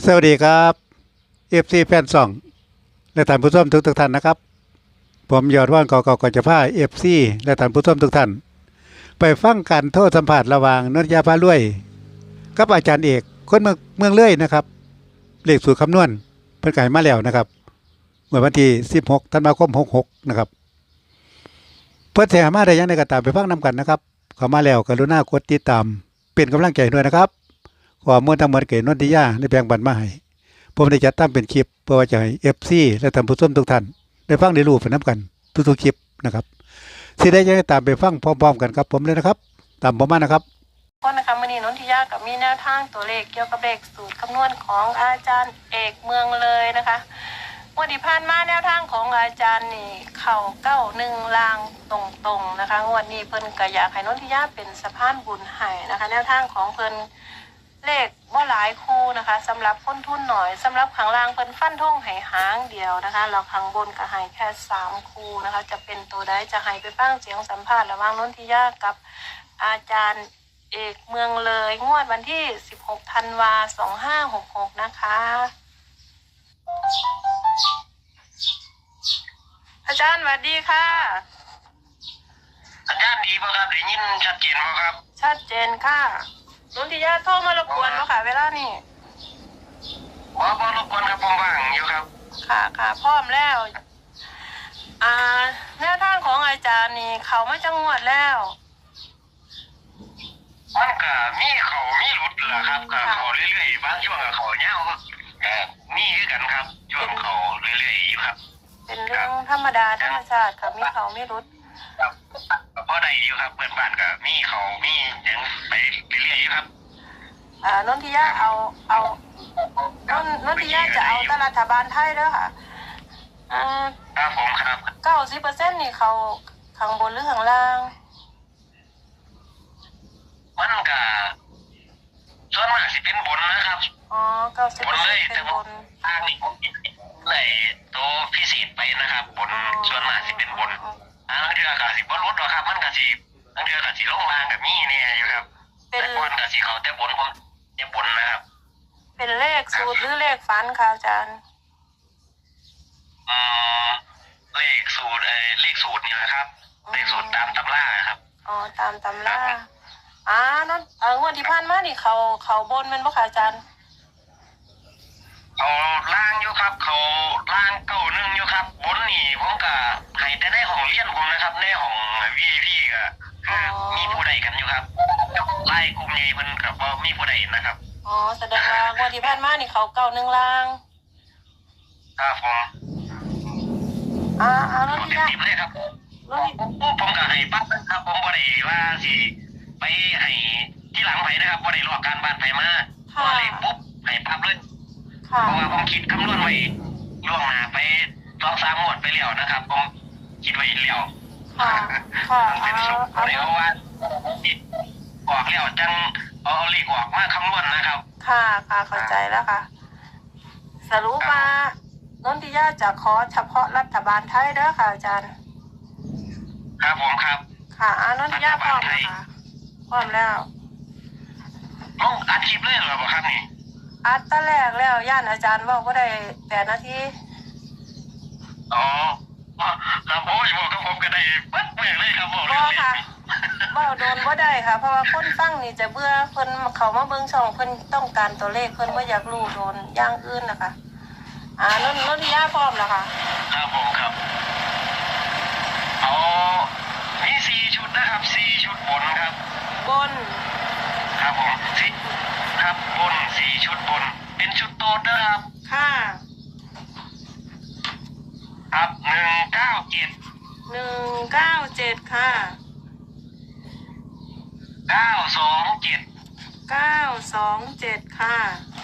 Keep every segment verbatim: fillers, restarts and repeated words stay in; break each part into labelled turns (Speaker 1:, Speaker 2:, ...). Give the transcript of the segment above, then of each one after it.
Speaker 1: สวัสดีครับเอฟซีแฟนซองและท่านผู้ชมทุกทุกท่านนะครับผมยอดว่านกอกกจะพาเอฟซีและท่านผู้ชมทุกท่านไปฟังการโทษสัมผัสระหว่างนนทยาพาลุยกับอาจารย์เอกคนเมืองเมืองเลื่อยนะครับเลขสูตรคำนวณเพิ่นไก่มาแล้วนะครับเมื่อวันที่สิบหกธันวาคมหกหกนะครับเพื่อแถมาได้ยังในกระตามไปฟังนำกันนะครับเข้ามาแล้วกรุณากดติดตามเป็นกำลังใจด้วยนะครับขอมวลทั้งหมดเกิดนนทิยาในแบ่งปันมาให้ผมได้จัดทำเป็นคลิปเพื่อจะให้เอฟซีและท่านผู้ชมทุกท่านได้ฟังได้รู้ไปน้ำกันทุกๆคลิปนะครับสิได้ยังตามไปฟังพร้อมๆกันครับผมเลยนะครับตามผมมานะครับ
Speaker 2: ก็นะคะมื่อนี้นนทิยากับมีแนวทางตัวเลขเกี่ยวกับเลขสูตรคำนวณของอาจารย์เอกเมืองเลยนะคะวันที่ผ่านมาแนวทางของอาจารย์นี่เข่าเก้าหนึ่งลางตรงๆนะคะงวดนี้เพิ่นก็อยากให้นนทิยาเป็นสะพานบุญให้นะคะแนวทางของเพิ่นเลขบ่หลายคู่นะคะสำหรับคนทุนหน่อยสำหรับข้างล่างเพิ่นฟันธงให้หางเดียวนะคะแล้วข้างบนก็ให้แค่สามคู่นะคะจะเป็นตัวใดจะให้ไปฟังเสียงสัมภาษณ์ระหว่างนนทิยากับอาจารย์เอกเมืองเลยงวดวันที่สิบหกธันวาสองห้าหกหกนะคะอาจารย์สวัสดีค่ะ
Speaker 3: สัญญาณดีป่ะครับได้ยินชัดเจนป่ะครับ
Speaker 2: ชัดเจนค่ะนนทิยาโทรมารบกวนป่ะค่ะเวลานี้
Speaker 3: บ่บ่รบกวนครับผมว่างอยู่ครับ
Speaker 2: ค่ะค่ะพร้อมแล้วอ่าแนวทางของอาจารย์นี่เขามาจังหวัดแล้ว
Speaker 3: มันก็มีเขามีหลุดเหรอครับก็เขาเรื่อยๆบางช่วงก็เขาเงาก็มีคือกันครับช่วงเขาเรื่อยๆอยู่ครับ
Speaker 2: เป็นเรื่องธรรมดาธรรมชาติค่ะมีเขาไม่รุด
Speaker 3: ครับพอได้อยู่ครับเพื่อนบ้านก็มีเขามียังไปเรื่อยๆอยู่ครับ
Speaker 2: อ่านนทิยาเอาเอานนนทิยาจะเอาตรัฐบาลไทยเด้อค่ะอ่า
Speaker 3: ครับผมครับ
Speaker 2: เก้าสิบเปอร์เซ็นต์นี่เขาข้างบนหรือข้างล่าง
Speaker 3: มันก็ส่วนมากสิเป็นบนนะครับ
Speaker 2: อ๋อเก้าสิบเปอร์เซ็นต์เป็นบน
Speaker 3: ทางนี้ผมเลยตัวพิเศษไปนะครับบนส่วนมากสิเป็นบนทางเดือกสิบรุษหรอครับมันก็สิทางเดือกสิลงล่างกับมีเนี่ยอยู่ครับแต่บนก็สิเขาแต่บนผมแต่บนนะครับ
Speaker 2: เป็นเลขสูตรหรือเลขฝันค่ะอาจารย์
Speaker 3: อืมเลขสูตรเออเลขสูตรนี่แหละครับเลขสูตรตามตำราครับ
Speaker 2: อ๋อตามตำราอ่านั่นเอองวดที่ผ่านมานี่เขาเขาบนมันบ่ค่ะอาจารย์
Speaker 3: เขาล่างอยู่ครับเขาล่างเก้าหนึ่งอยู่ครับบนนี่ผมก็ให้แต่ในห้องเรียนผมนะครับในห้องวีไอพีก็มีผู้ใดกันอยู่ครับไล่กลุ่มใหญ่มันกับว่ามีผู้ใดนะครับ
Speaker 2: อ๋อแสดงว่างวดที่ผ่านมานี่เขาเก้าหนึ่งล่าง
Speaker 3: ครับผม
Speaker 2: อ่าอ่าแล้วที่
Speaker 3: นี่เลยครับผมก็ให้ปั๊บนะครับผมบ่ได้ว่าสิไปให้ที่หลังไผนะครับบ่ได้รอการบ้านไผมาพอเลยปุ๊บให้ปั๊บเลยเพราะว่าผมคิดคำนวณไว้ล่วงหน้าไปสองสามงวดไปแล้วนะครับผมคิดไว้แล้ว
Speaker 2: ค่ะค่ะ
Speaker 3: เป็นสุขเลยเพราะว่าออกแล้วจังเอาเลขออกมาคำนวณนะครับ
Speaker 2: ค่ะค่ะเข้าใจแล้วค่ะสรุปมานนทิยาจะขอเฉพาะรัฐบาลไทยเด้อค่ะอาจารย์
Speaker 3: ครับผมครับ
Speaker 2: ค่ะอานนทิยาพร้อมนะคะพร้อมแล้ว
Speaker 3: ลงอาชีพเลยเหรอครับนี่
Speaker 2: อัดตะแรกแล้วย่านอาจารย์บอกว่าได้แปดนาที
Speaker 3: อ๋อครับผมบอกกับผมก็ได้ปั๊บเมื่อเลยครับบอก
Speaker 2: เลยค่ะว่าโดนว่าได้ค่ะเพราะว่าคนฟังนี่จะเบื่อคนเขามาเบิ้งช่องเพิ่นต้องการตัวเลขเพิ่นว่าอยากรู้โดนอย่างอื่นนะคะอ่านนนทิยาพร้อมแล้วค่ะ
Speaker 3: ครับผมครับเอามีสี่ชุดนะครับสี่ชุดบนครับ
Speaker 2: บน
Speaker 3: ครับผมสี่ครับบนสี่ชุดบนเป็นชุดโต๊ดนะครับ
Speaker 2: ค่ะ
Speaker 3: ครับหนึ่งเก้าเจ็ด
Speaker 2: หนึ่งเก้าเจ็ดค่ะ
Speaker 3: เก้าสองเจ็ด
Speaker 2: เก้าสองเจ็ดค่ะ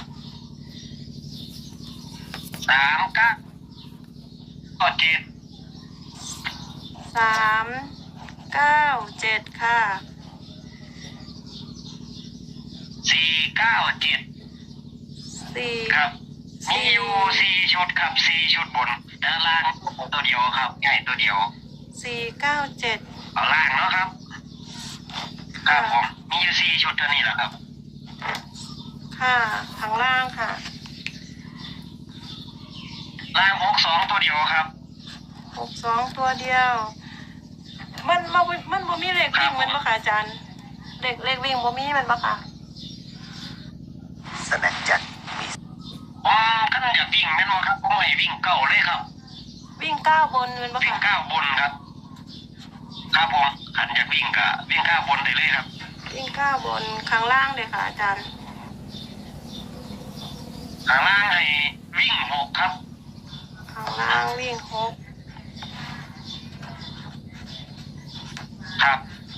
Speaker 3: สามเก้าเจ็ด
Speaker 2: สามเก้าเจ็ดค่ะ
Speaker 3: สี่เก้าเจ็ด
Speaker 2: สี่
Speaker 3: ครับมีอยู่สี่ชุดครับสี่ชุดบนด้านล่างตัวเดียวครับใหญ่ตัวเดียว
Speaker 2: สี่เก้าเจ็ด
Speaker 3: เอาล่างเนาะครับครับผมมีอยู่สี่ชุดเท่านี้แหละครับ
Speaker 2: ค่ะข้างล่างค่ะ
Speaker 3: ล่างหกสองตัวเดียวครับ
Speaker 2: หกสองตัวเดียว มันมันมันบ่มีเลขวิ่งมันบ่ค่ะอาจารย์เลขเลขวิ่งบ่มีมันบ่ค่ะ
Speaker 4: สนั่นจัดมี
Speaker 3: ผมขั้นอยากวิ่งแม่นบ่ครับผมให้วิ่งเก้าเลยครับ
Speaker 2: วิ่งเก้าบนมันบ่
Speaker 3: วิ่ง
Speaker 2: ค่ะ
Speaker 3: เก้าบนครับครับผมขันอยากวิ่งก็วิ่งเก้าบนได้เลยครับ
Speaker 2: วิ่งเก้าบนข้างล่างเลยค่ะอาจารย์
Speaker 3: ข้างล่างให้วิ่งหกครับ
Speaker 2: ข้างล่างวิ่งหก
Speaker 3: ครับ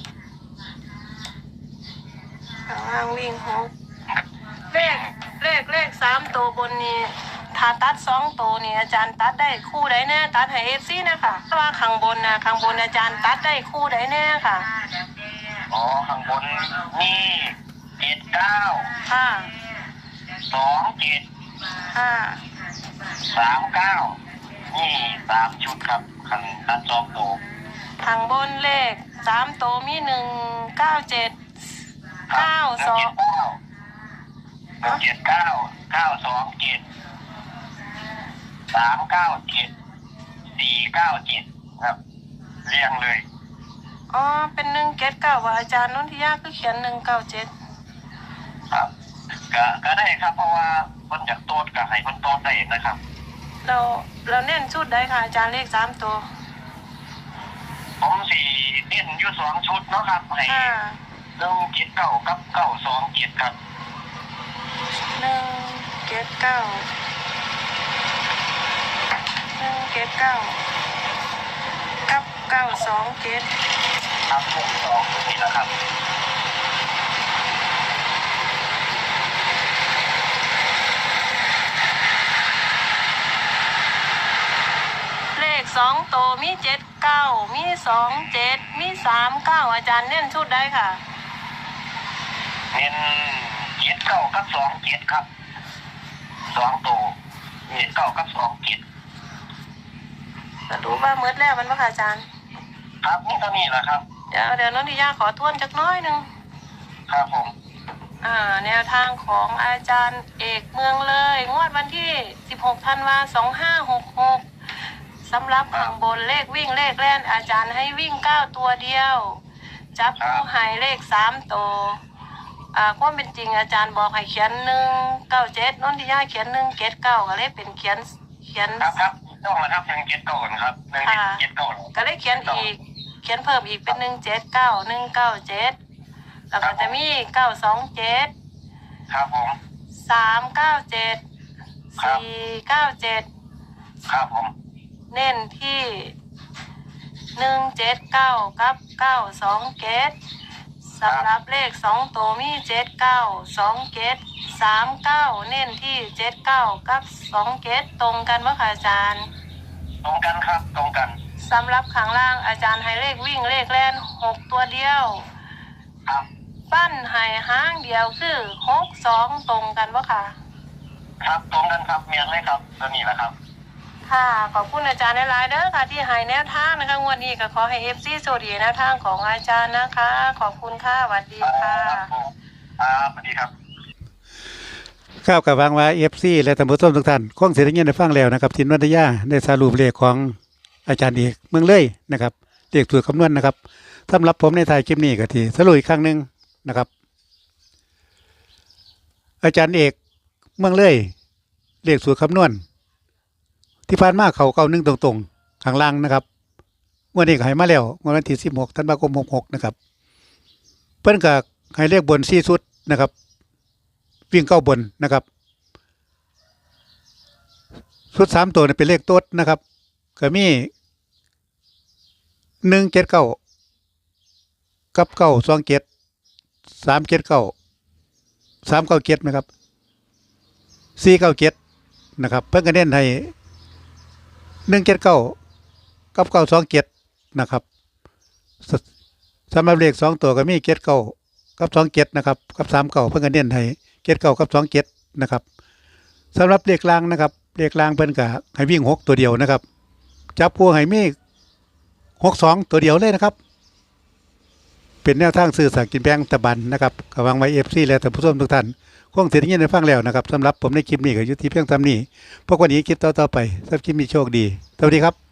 Speaker 2: ข้างล่างวิ่งหกเลขเลขเลขสามตัวบนนี้ถ้าตัดสองตัวนี่อาจารย์ตัดได้คู่ใดแน่ตัดให้เอฟซีนะคะเพราะว่าข้างบนนะข้างบนอาจารย์ตัดได้คู่ใดแน่ค่ะ
Speaker 3: อ๋อข้างบนนี่เจ็ดเก้า
Speaker 2: ค่ะ
Speaker 3: สองเจ็ด
Speaker 2: ค่ะ
Speaker 3: สามเก้านี่สามชุดครับขันตัดสองตัว
Speaker 2: ข้างบนเลขสามตัวมีหนึ่งเก้าเจ็ดเก้าสอง
Speaker 3: หนึ่งเจ็ดเก้าเก้าสองเจ็ดสามเก้าเจ็ดสี่เก้าเจ็ดครับเรียงเลย
Speaker 2: อ๋อเป็นหนึ่งเจ็ดเก้าว่าอาจารย์นนทิยาคือเขียนหนึ่งเก้าเจ็ด
Speaker 3: ครับก็ก็ได้ครับเพราะว่าคนจากโต๊ดกับให้คนโต๊ดได้นะครับ
Speaker 2: เราเราเน้นชุดได้ค่ะอาจารย์เลขสามตัว
Speaker 3: ผมสี่เล่นอยู่สองชุดเนาะครับให้
Speaker 2: ค่ะ
Speaker 3: หนึ่งเจ็ดเก้ากับเก้าสองเจ็ดครับ
Speaker 2: หนึ่งเจ็ดเก้าหนึ่งเจ็ดเก้ากับเก้าสองเจ็ด
Speaker 3: ครับหกสองนี่แหละครับ
Speaker 2: เลขสองตัวมีเจ็ดเก้ามีสองเจ็ดมีสามเก้าอาจารย์เน้นชุดได้ค่ะ
Speaker 3: เน้นเจ็ดเก้ากับสองเจ็ดครับสองตัวเจ็ดเก้ากับสองเจ็ด
Speaker 2: จะรู้ว่ามืดแล้วมันว่าค่ะอาจารย์
Speaker 3: ครับนี่เท่านี้แหละครับ
Speaker 2: เดี๋ยวเดี๋ยวนนทิยาขอทวนจักน้อยหนึ่ง
Speaker 3: ครับผม
Speaker 2: อ่าแนวทางของอาจารย์เอกเมืองเลยงวดวันที่สิบหกธันวาสองห้าหกหกสำหรับข้างบนเลขวิ่งเลขแล่นอาจารย์ให้วิ่งเก้าตัวเดียว จับผู้ให้เลขสามตัวอ่าความเป็นจริงอาจารย์บอกให้เขียนหนึ่งเก้าเจ็ดนนทิยาเขียนหนึ่งเจ็ดเก้าก็เลยเป็นเขียนเขียน
Speaker 3: ครับครับต้องมาทับหนึ่งเจ็ดเก้าก่อนครับหนึ่งเจ็ดเก้า
Speaker 2: ก็เลยเขียนอีกเขียนเพิ่มอีกเป็นหนึ่งเจ็ดเก้าหนึ่งเก้าเจ็ดแล้วก็จะมีเก้าสองเจ็ด
Speaker 3: ครับผม
Speaker 2: สามเก้าเจ็ดสี่เก้าเจ็ด
Speaker 3: ครับผม
Speaker 2: เน้นที่หนึ่งเจ็ดเก้ากับเก้าสองเจ็ดสำหรับเลขสองตัวมีเจ็ดเก้าสองเจ็ดสามเก้าเน้นที่เจ็ดเก้ากับสองเจ็ดตรงกันว่าค่ะอาจารย์
Speaker 3: ตรงกันครับตรงกัน
Speaker 2: สำหรับข้างล่างอาจารย์ให้เลขวิ่งเลขแล่นหกตัวเดียว
Speaker 3: ครับ
Speaker 2: ปั้นให้ห้างเดียวคือหกสองตรงกันว่าค่ะ
Speaker 3: ครับตรงกันครับเมียนเลยครับตัวนี้แหละครับ
Speaker 2: ค่ะขอบคุณอาจารย์หลายๆเด้อค่ะที่ให้แนวทางนะคะงวดนี้ก็ขอให้เอฟซีโชคดีแนวทางของอาจารย์นะคะ ขอบคุณค่ะสวัสดีค่ะ
Speaker 3: ครับผมครับสวัสดีครับ
Speaker 1: ข้าวกับวางว่าเอฟซีและท่านผู้ชมทุกท่านคงเสียงเงินได้ฟังแล้วนะครับทินวัฒยาได้สรุปเลขของอาจารย์เอกเมืองเลยนะครับเลขสูตรคำนวณนะครับสำหรับผมในท้ายคลิปนี้ก็ที่สรุปอีกครั้งหนึ่งนะครับ อาจารย์เอกเมืองเลยเลขสูตรคำนวณที่ผ่านมาเขาเก้าหนึ่งตรงๆข้างล่างนะครับงวดนี้ก็ให้มาแล้วงวดวันที่สิบหกธันวาคมหกหกนะครับเพิ่นก็ให้เลขบนสี่ชุดนะครับวิ่งเก้าบนนะครับชุดสามตัวเนี่ยเป็นเลขโต๊ดนะครับก็มีหนึ่งเจ็ดเก้ากับเก้าสองเจ็ดสามเจ็ดเก้าสามเก้าเจ็ดนะครับสี่เก้าเจ็ดนะครับเพิ่นก็เน้นให้หนึ่งเจ็ดเก้ากับเก้าสองเจ็ดนะครับสสำหรับเลขสองตัวก็มีเจ็ดเก้ากับสองเจ็ดนะครับกับสามเก้าเพิ่นก็เน้นให้เจ็ดเก้ากับสองเจ็ดนะครับสำหรับเลขล่างนะครับเลขล่างเพิ่นก็ให้วิ่งหกตัวเดียวนะครับจับคู่ให้มีหกสองตัวเดียวเลยนะครับเป็นแนวทางซื้อสลากกินแบ่งรัฐบาลนะครับก็วางไว้ เอฟ ซี และท่านผู้ชมทุกท่านคงเสียงยินได้ฟังแล้วนะครับสำหรับผมในคลิปนี้ก็อยู่ที่เพียงเท่านี้พวกวันนี้คลิปต่อๆไปสำหรับคลิปนี้โชคดีสวัสดีครับ